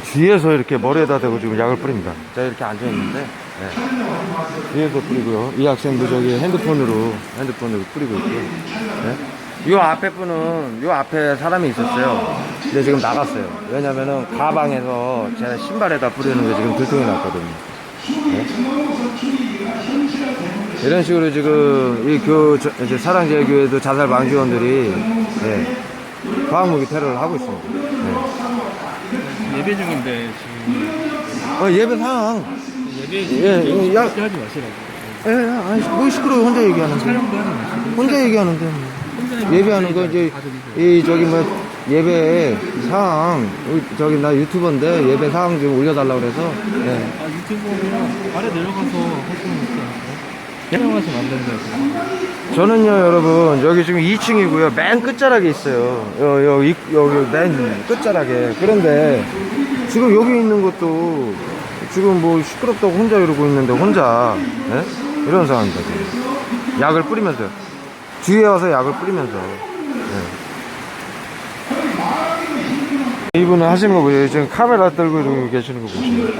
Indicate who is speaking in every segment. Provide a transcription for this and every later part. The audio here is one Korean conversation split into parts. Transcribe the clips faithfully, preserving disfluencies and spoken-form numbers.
Speaker 1: 뒤에서 이렇게 머리에다 대고 지금 약을 뿌립니다. 제가 이렇게 앉아있는데, 네. 뒤에서 뿌리고요. 이 학생도 저기 핸드폰으로, 핸드폰으로 뿌리고 있고요. 네. 요 앞에 분은, 요 앞에 사람이 있었어요. 근데 지금 나갔어요. 왜냐면은 가방에서 제 신발에다 뿌리는 게 지금 들통이 났거든요. 네. 이런 식으로 지금 이 교, 저, 이제 사랑제일교회도 자살 방지원들이, 네. 과학무기 테러를 하고 있습니다. 네.
Speaker 2: 예배 중인데 지금
Speaker 1: 어, 예배 상황.
Speaker 2: 예배
Speaker 1: 예,
Speaker 2: 중인데
Speaker 1: 야.
Speaker 2: 그렇게 하지 마시라고.
Speaker 1: 예, 예, 아니, 뭐 시끄러워, 혼자 얘기하는데.
Speaker 2: 촬영도 하지 마시고.
Speaker 1: 혼자 얘기하는데.
Speaker 2: 혼자
Speaker 1: 예배하는 거, 이제, 이, 저기, 뭐, 예배 사항, 저기, 나 유튜버인데, 예배 사항 좀 올려달라고 그래서, 예.
Speaker 2: 아 유튜브면 아래 내려가서 활동을 있지 않아요? 촬영하시면 안 된다고.
Speaker 1: 저는요, 여러분, 여기 지금 이 층이고요. 맨 끝자락에 있어요. 여, 여, 이, 여기 맨 끝자락에. 그런데, 지금 여기 있는 것도, 지금 뭐 시끄럽다고 혼자 이러고 있는데, 혼자, 예? 이런 상황입니다, 지금. 약을 뿌리면서요. 뒤에 와서 약을 뿌리면서. 예. 이분은 하시는 거 보세요. 지금 카메라 들고 이러고 계시는 거 보시면.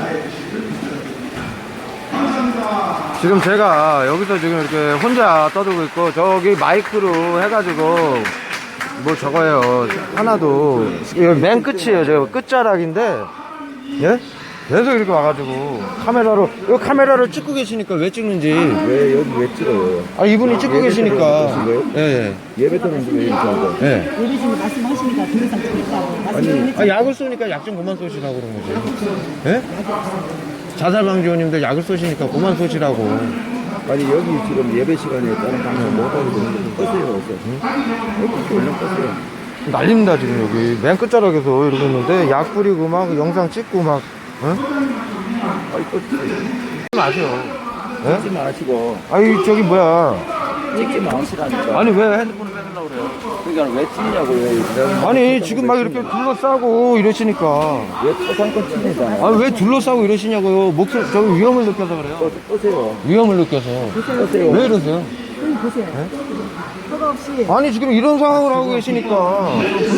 Speaker 1: 지금 제가 여기서 지금 이렇게 혼자 떠들고 있고, 저기 마이크로 해가지고, 뭐 저거예요. 하나도, 여기 맨 끝이에요. 제가 끝자락인데, 예? 계속 이렇게 와가지고, 카메라로, 이거 카메라를 찍고 계시니까 왜 찍는지.
Speaker 3: 왜 여기 왜 찍어요?
Speaker 1: 아, 이분이 찍고 계시니까.
Speaker 3: 예,
Speaker 1: 예,
Speaker 3: 예배 때문에 왜 이렇게 한 거예요?
Speaker 1: 예. 예.
Speaker 4: 예배 중에 말씀하시니까 더 이상 찍겠다고 말씀을
Speaker 1: 아, 약을 쏘니까 약 좀 그만 쏘시라고 그런 거지. 예? 자살방지원님들 약을 쏘시니까 그만 쏘시라고.
Speaker 3: 아니 여기 지금 예배 시간에 다른 방송 못 하고 있는데 껐어요, 없어요? 여기 얼른 껐어요.
Speaker 1: 난립니다, 지금 여기. 맨 끝자락에서 이러고 있는데, 약 뿌리고 막 영상 찍고 막, 응?
Speaker 3: 아니 껐어요.
Speaker 1: 찍지 마세요. 예?
Speaker 3: 찍지 마시고
Speaker 1: 아니, 저기 뭐야.
Speaker 3: 찍지 마시라니까.
Speaker 1: 아니, 왜 핸드폰을 뺏으려고 그래요?
Speaker 3: 그러니까 왜 찍냐고요?
Speaker 1: 아니, 지금 막 이렇게 둘러싸고 이러시니까.
Speaker 3: 왜 토상권 칩니다.
Speaker 1: 아니, 왜 둘러싸고 이러시냐고요. 목소리, 저기 위험을 느껴서 그래요.
Speaker 3: 껐어요.
Speaker 1: 위험을 느껴서.
Speaker 3: 껐어요.
Speaker 1: 왜 이러세요?
Speaker 4: 여기 보세요. 허가 없이
Speaker 1: 아니, 지금 이런 상황을 하고 계시니까.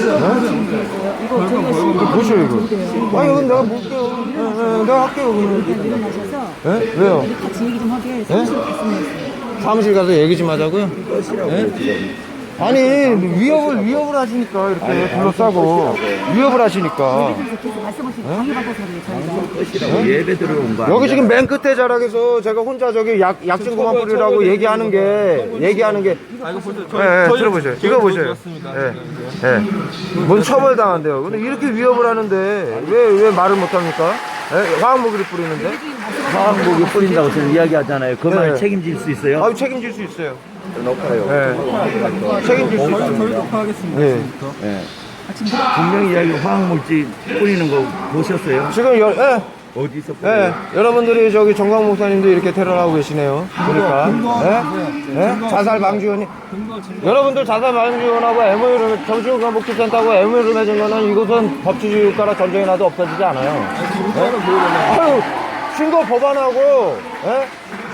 Speaker 4: 이거 저희가 신고
Speaker 1: 보셔요, 이거. 아니, 이건 내가 볼게요. 예, 예, 내가 할게요, 그러면.
Speaker 4: 일어나셔서
Speaker 1: 예? 왜요?
Speaker 4: 우리 같이 얘기 좀 하게 사무실 갔으면 했어요.
Speaker 1: 사무실 가서 얘기 좀 하자고요?
Speaker 3: 껐으라고요 지금.
Speaker 1: 아니, 위협을, 위협을 하시니까, 이렇게 둘러싸고. 위협을 하시니까.
Speaker 4: 그래서 계속 말씀하시고 방해받아서 그래요 저희가.
Speaker 3: 껐으라고 예배 들어온 거.
Speaker 1: 여기 지금 맨 끝에 자락에서 제가 혼자 저기 약, 약 좀 그만 뿌리라고 얘기하는 게, 얘기하는 게.
Speaker 2: 아 이거 보세요.
Speaker 1: 예, 예, 들어보세요. 이거 보세요. 예, 예. 뭔 처벌 당한대요. 근데 이렇게 위협을 하는데, 왜, 왜 말을 못 합니까? 예? 화학무기를 뿌리는데?
Speaker 3: 화학무기 뿌린다고 지금 이야기하잖아요. 그 말
Speaker 1: 네.
Speaker 3: 책임질 수 있어요?
Speaker 1: 아유, 책임질 수 있어요.
Speaker 3: 높아요.
Speaker 1: 예. 책임질 수 있어요.
Speaker 2: 저희도 하겠습니다.
Speaker 1: 예.
Speaker 3: 예. 분명히 이야기 화학물질 뿌리는 거 보셨어요?
Speaker 1: 지금 여, 예.
Speaker 3: 어디서
Speaker 1: 예,
Speaker 3: 뿌려요?
Speaker 1: 여러분들이 저기 정광 목사님도 이렇게 테러를 하고 계시네요. 보니까. 예? 예? 자살 방지원이. 여러분들 자살 방지원하고 엠오유를, 정신건강 복지센터하고 엠오유를 맺은 거는 이곳은 법치주의 국가라 전쟁이 나도 없어지지 않아요. 예? 아유, 신고 법안하고, 예?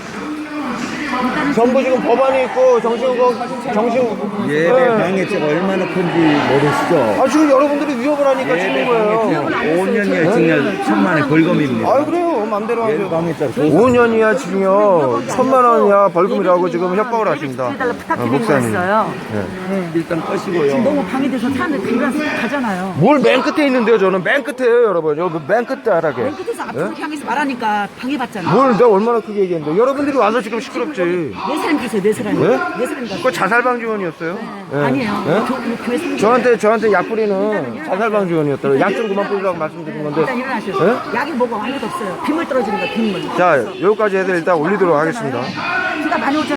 Speaker 1: 전부 지금 법안이 있고, 정신건강, 정신,
Speaker 3: 예배 방해죄가 얼마나 큰지 모르시죠?
Speaker 1: 아, 지금 여러분들이 위협을 하니까
Speaker 3: 예배
Speaker 1: 치는 거예요.
Speaker 3: 방해죄 오 년 이하 징역 천만 원 벌금입니다.
Speaker 1: 아유, 그래요. 맘대로
Speaker 3: 예배
Speaker 1: 하세요.
Speaker 3: 방해죄
Speaker 1: 오 년 이하 징역 천만 원 이하 벌금이라고 지금 협박을 하십니다.
Speaker 4: 해달라
Speaker 1: 어,
Speaker 4: 부탁드리는
Speaker 1: 목사님.
Speaker 4: 거였어요.
Speaker 3: 일단 꺼시고요.
Speaker 4: 지금 너무 방해돼서 사람들이 들어가서 가잖아요.
Speaker 1: 뭘 맨 끝에 있는데요, 저는 맨 끝에요, 여러분. 여기 맨 끝에 하라게.
Speaker 4: 맨 끝에서 앞으로 향해서 말하니까 방해받잖아.
Speaker 1: 뭘 내가 얼마나 크게 얘기했는데. 여러분들이 와서 지금 시끄럽지.
Speaker 4: 네 사람 가세요, 네 사람.
Speaker 1: 예?
Speaker 4: 네 사람 가세요.
Speaker 1: 그거 자살방지원이었어요? 예.
Speaker 4: 아니에요.
Speaker 1: 예?
Speaker 4: 교, 교, 교회 성지.
Speaker 1: 저한테, 저한테 약 뿌리는 자살방지원이었더라고요. 약 좀 그만 뿌리라고 말씀드린 건데.
Speaker 4: 일단 일어나셔서.
Speaker 1: 예?
Speaker 4: 약이 뭐가 아무것도 없어요. 빗물 떨어지는 거, 빗물.
Speaker 1: 자, 여기까지 해서 일단 올리도록 하겠습니다.
Speaker 4: 비가 많이 오잖아요.